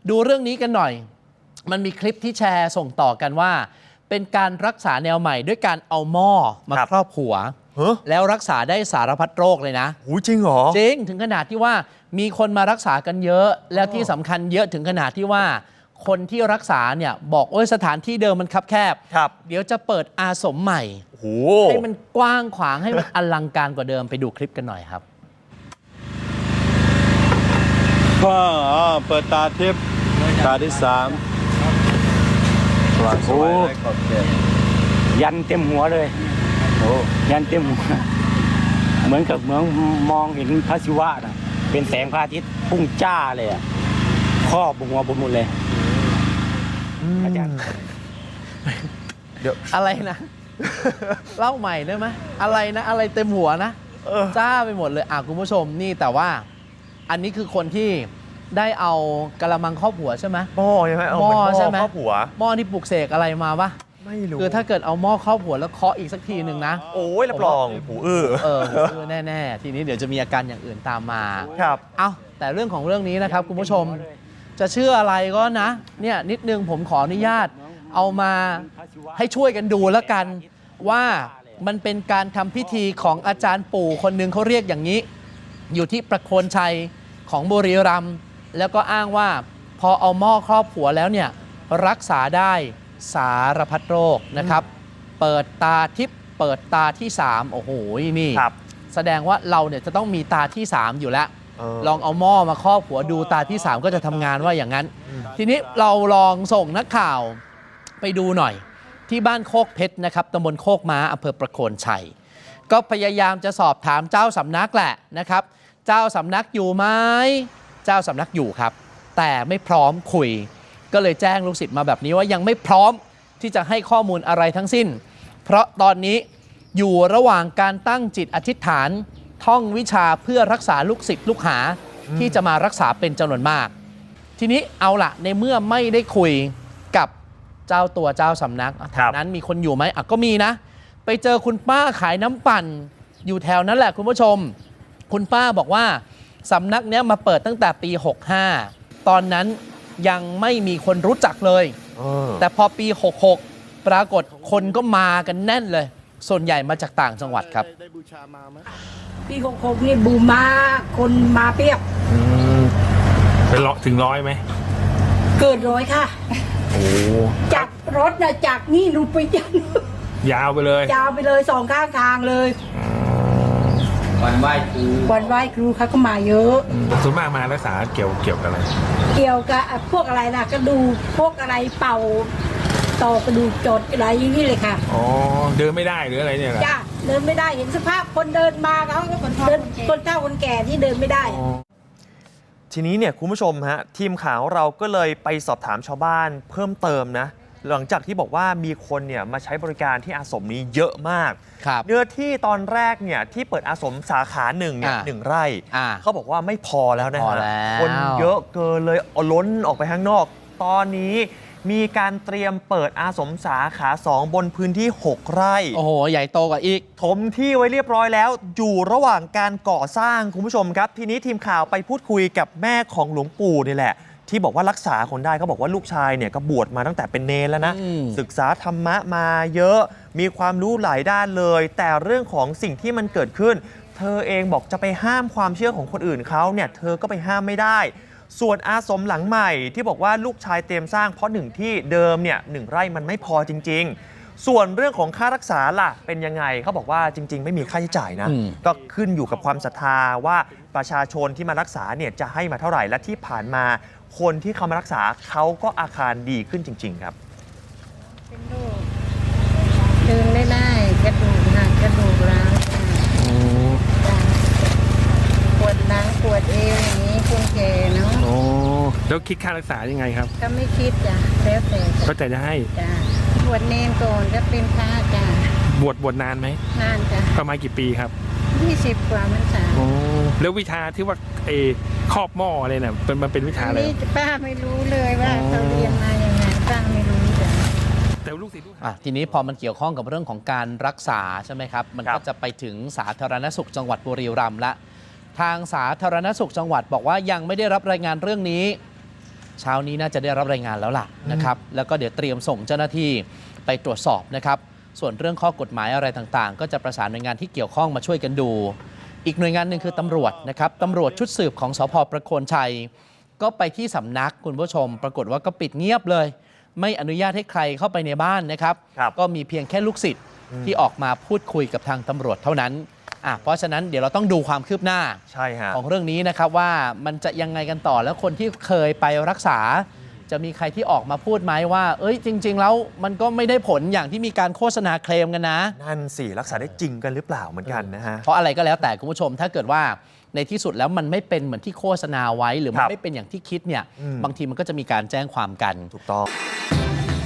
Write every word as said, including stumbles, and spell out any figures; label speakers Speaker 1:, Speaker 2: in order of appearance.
Speaker 1: ดูเรื่องนี้กันหน่อยมันมีคลิปที่แชร์ส่งต่อกันว่าเป็นการรักษาแนวใหม่ด้วยการเอาหม้อมาครอบหัวแล้วรักษาได้สารพัดโรคเลยนะ
Speaker 2: โอ้จริงเหรอ
Speaker 1: จริงถึงขนาดที่ว่ามีคนมารักษากันเยอะแล้วที่สำคัญเยอะถึงขนาดที่ว่าคนที่รักษาเนี่ยบอกโอ้ยสถานที่เดิมมันคับแคบเดี๋ยวจะเปิดอาสมใหม่ให้มันกว้างขวางให้มันอลังการกว่าเดิมไปดูคลิปกันหน่อยครับ
Speaker 3: ก็เปิดตาทิพย์ตาที่สามโอ้
Speaker 4: ยันเต็มหัวเลยโอ้ยันเต็มหัวเหมือนกับเหมือนมองเห็นพระศิวะนะเป็นแสงพระอาทิตย์พุ่งจ้าเลยอ่ะครอบหัวบนหมดเลยอาจารย์
Speaker 1: เดี๋ยวอะไรนะเล่าใหม่ได้ไหมอะไรนะอะไรเต็มหัวนะจ้าไปหมดเลยอ่ะคุณผู้ชมนี่แต่ว่าอันนี้คือคนที่ได้เอากระมังครอบหัวใช่ไหม
Speaker 2: หม้อใช่ไหม
Speaker 1: หม้อใช่ไหม
Speaker 2: ครอบหัว
Speaker 1: หม้อที่ปลุกเสกอะไรมาปะ
Speaker 2: ไม่รู้
Speaker 1: คือถ้าเกิดเอาหม้อครอบหัวแล้วเคาะอีกสักทีหนึ่งนะ
Speaker 2: โอ้ยรับรองหูอื้อ
Speaker 1: เออหูอื้อแน่ๆทีนี้เดี๋ยวจะมีอาการอย่างอื่นตามมา
Speaker 2: ครับ
Speaker 1: เอาแต่เรื่องของเรื่องนี้นะครับคุณผู้ชมจะเชื่ออะไรก็นะเนี่ยนิดนึงผมขออนุญาตเอามาให้ช่วยกันดูแล้วกันว่ามันเป็นการทำพิธีของอาจารย์ปู่คนหนึ่งเขาเรียกอย่างนี้อยู่ที่ประโคนชัยของบุรีรัมย์แล้วก็อ้างว่าพอเอาหม้อครอบหัวแล้วเนี่ยรักษาได้สารพัดโรคนะครับเปิดตาทิพย์เปิดตาที่สามโอ้โหนี่แสดงว่าเราเนี่ยจะต้องมีตาที่สามอยู่แล้วลองเอาหม้อมาครอบหัวดูตาที่สามก็จะทำงานว่าอย่างนั้นทีนี้เราลองส่งนักข่าวไปดูหน่อยที่บ้านโคกเพชรนะครับตำบลโคกม้าอำเภอประโคนชัยก็พยายามจะสอบถามเจ้าสำนักแหละนะครับเจ้าสำนักอยู่ไหมเจ้าสำนักอยู่ครับแต่ไม่พร้อมคุยก็เลยแจ้งลูกศิษย์มาแบบนี้ว่ายังไม่พร้อมที่จะให้ข้อมูลอะไรทั้งสิ้นเพราะตอนนี้อยู่ระหว่างการตั้งจิตอธิษฐานท่องวิชาเพื่อรักษาลูกศิษย์ลูกหาที่จะมารักษาเป็นจำนวนมากทีนี้เอาล่ะในเมื่อไม่ได้คุยกับเจ้าตัวเจ้าสำนักแถวนั้นมีคนอยู่ไหมอ่ะก็มีนะไปเจอคุณป้าขายน้ำปั่นอยู่แถวนั้นแหละคุณผู้ชมคุณป้าบอกว่าสำนักเนี้ยมาเปิดตั้งแต่ปีหกห้าตอนนั้นยังไม่มีคนรู้จักเลยแต่พอปีหกหกปรากฏคนก็มากันแน่นเลยส่วนใหญ่มาจากต่างจังหวัดครับ
Speaker 5: ปีหกหกนี่บูมมาคนมาเปียบ
Speaker 6: เป็นร้อยถึงร้อยไหม
Speaker 5: เกิดร้อยค่ะจากรถนะจากนี่ลุไปยัน
Speaker 6: ยาวไปเลย
Speaker 5: ยาวไปเลยสองข้างทางเลย
Speaker 4: วันไหว้ครู
Speaker 5: วันไหว้ครูเขาก็มาเยอะ
Speaker 6: ส่วนมากมารักษาเกี่ยวเกี่ยวกับอะไร
Speaker 5: เกี่ยวกับพวกอะไรนะกระดูกพวกอะไรเป่าต่อกระดูกจดอะไรอย่างนี้เลยค่ะ
Speaker 6: อ๋อเดินไม่ได้หรืออะไรเนี่ย
Speaker 5: จ้ะเดินไม่ได้เห็นสภาพคนเดินมาเขาเดินคนเฒ่าคนแก่ที่เดินไม่ได้
Speaker 2: ทีนี้เนี่ยคุณผู้ชมฮะทีมข่าวเราก็เลยไปสอบถามชาวบ้านเพิ่มเติมนะหลังจากที่บอกว่ามีคนเนี่ยมาใช้บริการที่อาสมนี้เยอะมากเนื้อที่ตอนแรกเนี่ยที่เปิดอาสมสาขาหนึ่งเนี่ยหนึ่งไร่เขาบอกว่าไม่พอแล้วนะฮะคนเยอะเกินเลยล้นออกไปข้างนอกตอนนี้มีการเตรียมเปิดอาสมสาขาสองบนพื้นที่หกไร่
Speaker 1: โอ้โหใหญ่โตกว่าอีก
Speaker 2: ถมที่ไว้เรียบร้อยแล้วอยู่ระหว่างการก่อสร้างคุณผู้ชมครับทีนี้ทีมข่าวไปพูดคุยกับแม่ของหลวงปู่นี่แหละที่บอกว่ารักษาคนได้เขาบอกว่าลูกชายเนี่ยก็บวชมาตั้งแต่เป็นเนรแล้วนะศึกษาธรรมะมาเยอะมีความรู้หลายด้านเลยแต่เรื่องของสิ่งที่มันเกิดขึ้นเธอเองบอกจะไปห้ามความเชื่อของคนอื่นเขาเนี่ยเธอก็ไปห้ามไม่ได้ส่วนอาสมหลังใหม่ที่บอกว่าลูกชายเตรียมสร้างเพราะหนึ่งที่เดิมเนี่ยหนึ่งไร่มันไม่พอจริงๆส่วนเรื่องของค่ารักษาล่ะเป็นยังไงเขาบอกว่าจริงๆไม่มีค่าใช้จ่ายนะก็ขึ้นอยู่กับความศรัทธาว่าประชาชนที่มารักษาเนี่ยจะให้มาเท่าไหร่และที่ผ่านมาคนที่เขามารักษาเขาก็อาการดีขึ้นจริงๆครับ
Speaker 5: เป็นโรคเดินไม่ได้กระดูกหักกระดูกร้าวปวดหลังปวดเอวอย่างนี้คนแก่เนาะ
Speaker 6: โอ้แล้วคิดค่ารักษายังไงครับ
Speaker 5: ก็ไม่คิดจ้ะแล้วแต่
Speaker 6: ก็แต่จะให้
Speaker 5: จ้ะบวชเนรก่อนก็เป็นพระจ้ะ
Speaker 6: บวชบวชนานไหม
Speaker 5: นานจ้ะ
Speaker 6: ประมาณกี่ปีครับ
Speaker 5: ยี่สิบกว่ามันจ้ะ
Speaker 6: โอ้แล้ววิชาที่ว่าเอครอบหม้ออะไรเนี่ยเป็นมันเป็นวิชาอะไร
Speaker 5: นี่ป้าไม่รู้เลยว่าเขาเรียนมาอย่างไงป้าไม่รู้จ้ะ
Speaker 6: แต่ลูกศิษย์ลูกหา
Speaker 1: ทีนี้พอมันเกี่ยวข้องกับเรื่องของการรักษาใช่ไหมครับมันก็จะไปถึงสาธารณสุขจังหวัดบุรีรัมย์ละทางสาธารณสุขจังหวัดบอกว่ายังไม่ได้รับรายงานเรื่องนี้เช้านี้น่าจะได้รับรายงานแล้วล่ะนะครับแล้วก็เดี๋ยวเตรียมส่งเจ้าหน้าที่ไปตรวจสอบนะครับส่วนเรื่องข้อกฎหมายอะไรต่างๆ ก็จะประสานหน่วยงานที่เกี่ยวข้องมาช่วยกันดู อีกหน่วยงานหนึ่งคือตำรวจนะครับตำรวจชุดสืบของสภ.ประโคนชัยก็ไปที่สำนักคุณผู้ชม ปรากฏว่าก็ปิดเงียบเลย ไม่อนุญาตให้ใครเข้าไปในบ้านนะครับ
Speaker 2: ครับ
Speaker 1: ก็มีเพียงแค่ลูกศิษย์ที่ออกมาพูดคุยกับทางตำรวจเท่านั้นอ่ะเพราะฉะนั้นเดี๋ยวเราต้องดูความคืบหน้า
Speaker 2: ใช่ฮะ
Speaker 1: ของเรื่องนี้นะครับว่ามันจะยังไงกันต่อแล้วคนที่เคยไปรักษา จะมีใครที่ออกมาพูดไหมว่า เอ้ยจริง ๆ แล้วมันก็ไม่ได้ผลอย่างที่มีการโฆษณาเคลมกันนะ
Speaker 2: นั่นสิรักษาได้จริงกันหรือเปล่าเหมือนกันนะฮะ
Speaker 1: เพราะอะไรก็แล้วแต่คุณผู้ชมถ้าเกิดว่าในที่สุดแล้วมันไม่เป็นเหมือนที่โฆษณาไว้ หรือมั
Speaker 2: คน รับ
Speaker 1: ไม่เป็นอย่างที่คิดเนี่ย
Speaker 2: อืม
Speaker 1: บางทีมันก็จะมีการแจ้งความกัน
Speaker 2: ถูกต้อง